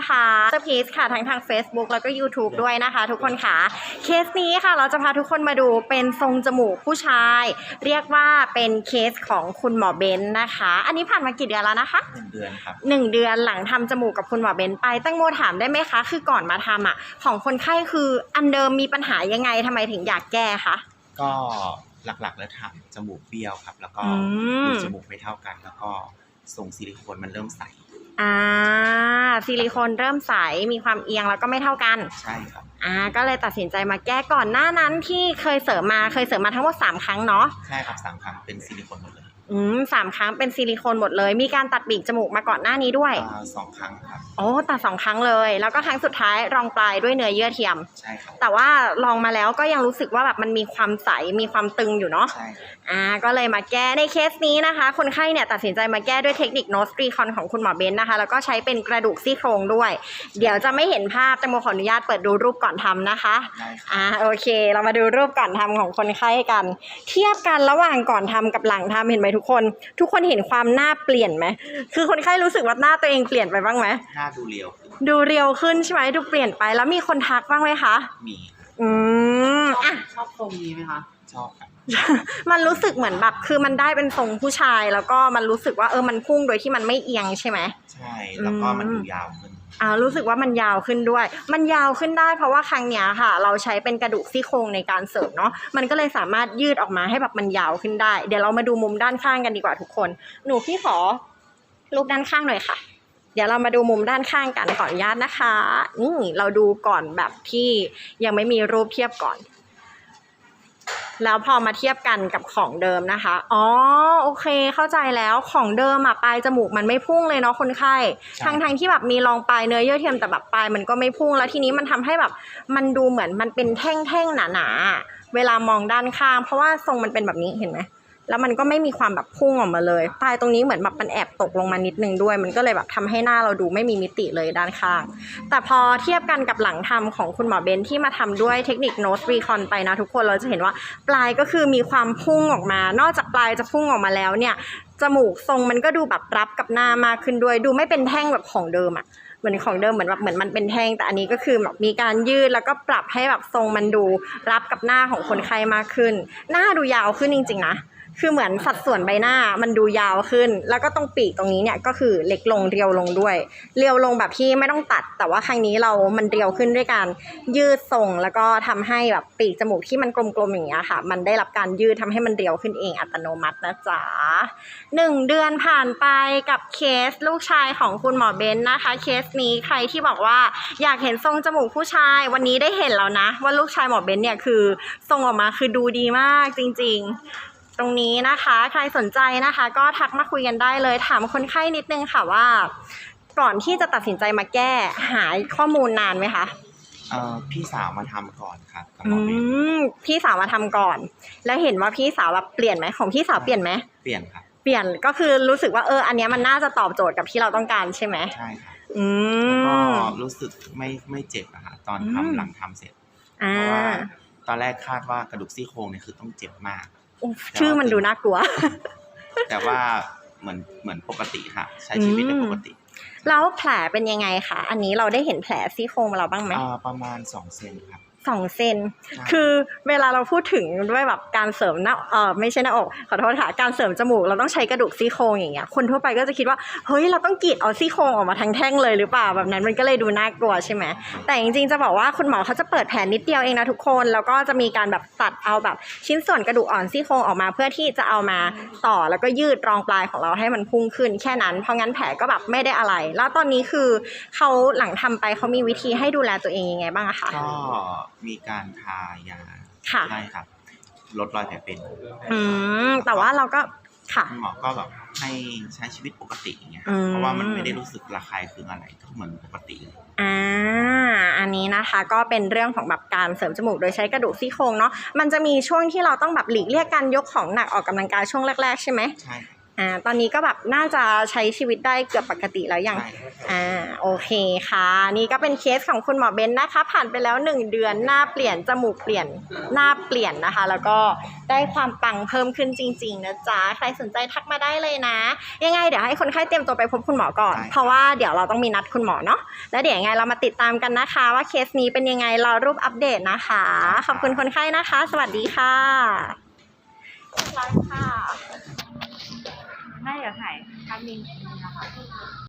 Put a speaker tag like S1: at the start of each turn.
S1: นะคะเซอร์พีซค่ะทั้งทาง Facebook แล้วก็ YouTube ด้วยนะคะทุกคนค่ะเคสนี้ค่ะเราจะพาทุกคนมาดูเป็นทรงจมูกผู้ชายเรียกว่าเป็นเคสของคุณหมอเบนนะคะอันนี้ผ่านมากี่เดือนแล้วนะคะ
S2: 1 เดือนครับ
S1: 1 เดือนหลังทำจมูกกับคุณหมอเบนไปตั้งโมถามได้ไหมคะคือก่อนมาทำของคนไข้คืออันเดิมมีปัญหายังไงทำไมถึงอยากแก้คะ
S2: ก็หลักๆแล้วทำจมูกเบี้ยวครับแล้วก็รูจมูกไม่เท่ากันแล้วก็ทรงซิลิโคนมันเริ่มใส
S1: ซิลิโคนเริ่มใสมีความเอียงแล้วก็ไม่เท่ากัน
S2: ใช่ครับ
S1: ก็เลยตัดสินใจมาแก้ก่อนหน้านั้นที่เคยเสริมมาทั้งหมด3 ครั้งเนาะ
S2: ใช่ครับ3 ครั้งเป็นซิลิโคนหมดเลย
S1: 3 ครั้งเป็นซิลิโคนหมดเลยมีการตัดปีกจมูกมาก่อนหน้านี้ด้วย
S2: 2 ครั้งครับ
S1: ตัด2 ครั้งเลยแล้วก็ครั้งสุดท้ายรองปลายด้วยเนื้อเยื่อเทียม
S2: ใช่ครับ
S1: แต่ว่าลองมาแล้วก็ยังรู้สึกว่าแบบมันมีความใสมีความตึงอยู่เนาะ
S2: ใช่
S1: ก็เลยมาแก้ในเคสนี้นะคะคนไข้เนี่ยตัดสินใจมาแก้ด้วยเทคนิคโนสตรีคอนของคุณหมอเบนนะคะแล้วก็ใช้เป็นกระดูกซี่โครงด้วยเดี๋ยวจะไม่เห็นภาพแต่โมขออนุญาตเปิดดูรูปก่อนทำนะคะโอเคเรามาดูรูปก่อนทำของคนไข้กันเทียบกันระหว่างก่อนทำกับหลังทำเห็นไหมทุกคนเห็นความหน้าเปลี่ยนไหมคือคนไข้รู้สึกว่าหน้าตัวเองเปลี่ยนไปบ้างไหม
S2: หน้าดูเรียว
S1: ขึ้นใช่ไหมดูเปลี่ยนไปแล้วมีคนทักบ้างไหมคะ
S2: มี
S3: ชอบทรงนี้ไหมคะ
S2: ชอบครับ
S1: มันรู้สึกเหมือนแบบคือมันได้เป็นทรงผู้ชายแล้วก็มันรู้สึกว่ามันพุ่งโดยที่มันไม่เอียงใช่ไหม
S2: ใช่แล้วก็มันดูยาวขึ้น
S1: รู้สึกว่ามันยาวขึ้นด้วยมันยาวขึ้นได้เพราะว่าครั้งเนี้ยค่ะเราใช้เป็นกระดูกซี่โครงในการเสริมเนาะมันก็เลยสามารถยืดออกมาให้แบบมันยาวขึ้นได้เดี๋ยวเรามาดูมุมด้านข้างกันดีกว่าทุกคนพี่ขอรูปด้านข้างหน่อยค่ะเดี๋ยวเรามาดูมุมด้านข้างกันขออนุญาตนะคะเราดูก่อนแบบที่ยังไม่มีรูปเทียบก่อนแล้วพอมาเทียบกันกับของเดิมนะคะโอเคเข้าใจแล้วของเดิมปลายจมูกมันไม่พุ่งเลยเนาะคนไข้ทั้งที่แบบมีรองปลายเนื้อเยื่อเทียมแต่แบบปลายมันก็ไม่พุ่งแล้วทีนี้มันทำให้แบบมันดูเหมือนมันเป็นแท่งๆหนาๆเวลามองด้านข้างเพราะว่าทรงมันเป็นแบบนี้เห็นไหมแล้วมันก็ไม่มีความแบบพุ่งออกมาเลยปลายตรงนี้เหมือนแบบมันแอบตกลงมานิดนึงด้วยมันก็เลยแบบทำให้หน้าเราดูไม่มีมิติเลยด้านข้างแต่พอเทียบกันกับหลังทำของคุณหมอเบนที่มาทำด้วยเทคนิคโนสรีคอนไปนะทุกคนเราจะเห็นว่าปลายก็คือมีความพุ่งออกมานอกจากปลายจะพุ่งออกมาแล้วเนี่ยจมูกทรงมันก็ดูแบบรับกับหน้ามากขึ้นด้วยดูไม่เป็นแท่งแบบของเดิมเหมือนของเดิมเหมือนมันเป็นแท่งแต่อันนี้ก็คือแบบมีการยืดแล้วก็ปรับให้แบบทรงมันดูรับกับหน้าของคนไข้มากขึ้นหน้าดูยาวขึ้นจริงๆนะคือเหมือนสัดส่วนใบหน้ามันดูยาวขึ้นแล้วก็ตรงปีกตรงนี้เนี่ยก็คือเล็กลงเรียวลงด้วยเรียวลงแบบที่ไม่ต้องตัดแต่ว่าครั้งนี้มันเรียวขึ้นด้วยการยืดทรงแล้วก็ทำให้แบบปีกจมูกที่มันกลมๆอย่างเงี้ยค่ะมันได้รับการยืดทำให้มันเรียวขึ้นเองอัตโนมัตินะจ๊ะ1 เดือนผ่านไปกับเคสลูกชายของคุณหมอเบนนะคะเคสนี้ใครที่บอกว่าอยากเห็นทรงจมูกผู้ชายวันนี้ได้เห็นแล้วนะว่าลูกชายหมอเบนเนี่ยคือทรงออกมาคือดูดีมากจริงๆตรงนี้นะคะใครสนใจนะคะก็ทักมาคุยกันได้เลยถามคนไข้นิดนึงค่ะว่าก่อนที่จะตัดสินใจมาแก้หาข้อมูลนานไหมคะ
S2: พี่สาวมาทำก่อนครับ
S1: พี่สาวมาทำก่อนแล้วเห็นว่าพี่สาวแบบเปลี่ยนไหมของพี่สาวเปลี่ยนไหม
S2: เปลี่ยนครับ
S1: เปลี่ยนก็คือรู้สึกว่าอันนี้มันน่าจะตอบโจทย์กับที่เราต้องการใช่ไหม
S2: ใช่ครับก็รู้สึกไม่เจ็บอะค่ะตอนทำหลังทำเสร็จเพราะว่าตอนแรกคาดว่ากระดูกซี่โครงเนี่ยคือต้องเจ็บมาก
S1: ชื่อมันดูน่ากลัว
S2: แต่ว่าเหมือนปกติค่ะใช้ชีวิตได้ปกติ
S1: แล้วแผลเป็นยังไงคะอันนี้เราได้เห็นแผลซี่โครงเราบ้างไหม
S2: ประมาณ2 เซนครับ
S1: 2 เซนคือเวลาเราพูดถึงด้วยแบบการเสริมหน้าไม่ใช่หน้าอกขอโทษค่ะการเสริมจมูกเราต้องใช้กระดูกซี่โครงอย่างเงี้ยคนทั่วไปก็จะคิดว่าเฮ้ยเราต้องกรีดเอาซี่โครงออกมาทั้งแท่งเลยหรือเปล่าแบบนั้นมันก็เลยดูน่ากลัวใช่ไหมแต่จริงๆจะบอกว่าคุณหมอเขาจะเปิดแผลนิดเดียวเองนะทุกคนแล้วก็จะมีการแบบตัดเอาแบบชิ้นส่วนกระดูกอ่อนซี่โครงออกมาเพื่อที่จะเอามาต่อแล้วก็ยืดรองปลายของเราให้มันพุ่งขึ้นแค่นั้นเพราะงั้นแผลก็แบบไม่ได้อะไรแล้วตอนนี้คือเขาหลังทำไปเขามีวิธีให้ดูแลตัวเองยังไงบ้างคะ
S2: ก็มีการทายาใช่ครับลดรอยแผลเป็น
S1: แต่ว่าเราก็ค่ะ
S2: หมอก็แบบให้ใช้ชีวิตปกติอย่างเงี้ยเพราะว่ามันไม่ได้รู้สึกระคายเคืองอะไรก็เหมือนปกติเลย
S1: อันนี้นะคะก็เป็นเรื่องของแบบการเสริมจมูกโดยใช้กระดูกซี่โครงเนาะมันจะมีช่วงที่เราต้องแบบหลีกเลี่ยงการยกของหนักออกกำลังกายช่วงแรกๆใช่ไหม
S2: ใช่
S1: ตอนนี้ก็แบบน่าจะใช้ชีวิตได้เกือบปกติแล้วยัง
S2: ใช่
S1: โอเคค่ะนี่ก็เป็นเคสของคุณหมอเบนนะคะผ่านไปแล้ว1เดือนหน้าเปลี่ยนจมูกเปลี่ยนหน้าเปลี่ยนนะคะ แล้วก็ได้ความปังเพิ่มขึ้นจริงๆนะจ๊ะใครสนใจทักมาได้เลยนะยังไงเดี๋ยวให้คนไข้เตรียมตัวไปพบคุณหมอก่อนเพราะว่าเดี๋ยวเราต้องมีนัดคุณหมอเนาะแล้วเดี๋ยวยังไงเรามาติดตามกันนะคะว่าเคสนี้เป็นยังไงรอรูปอัปเดตนะคะขอบคุณคนไข้นะคะ สวัสดีค่ะเรียบร้อยค่ะ
S3: ได้เดี๋ยวถ่ายภาพนิ่งนะคะ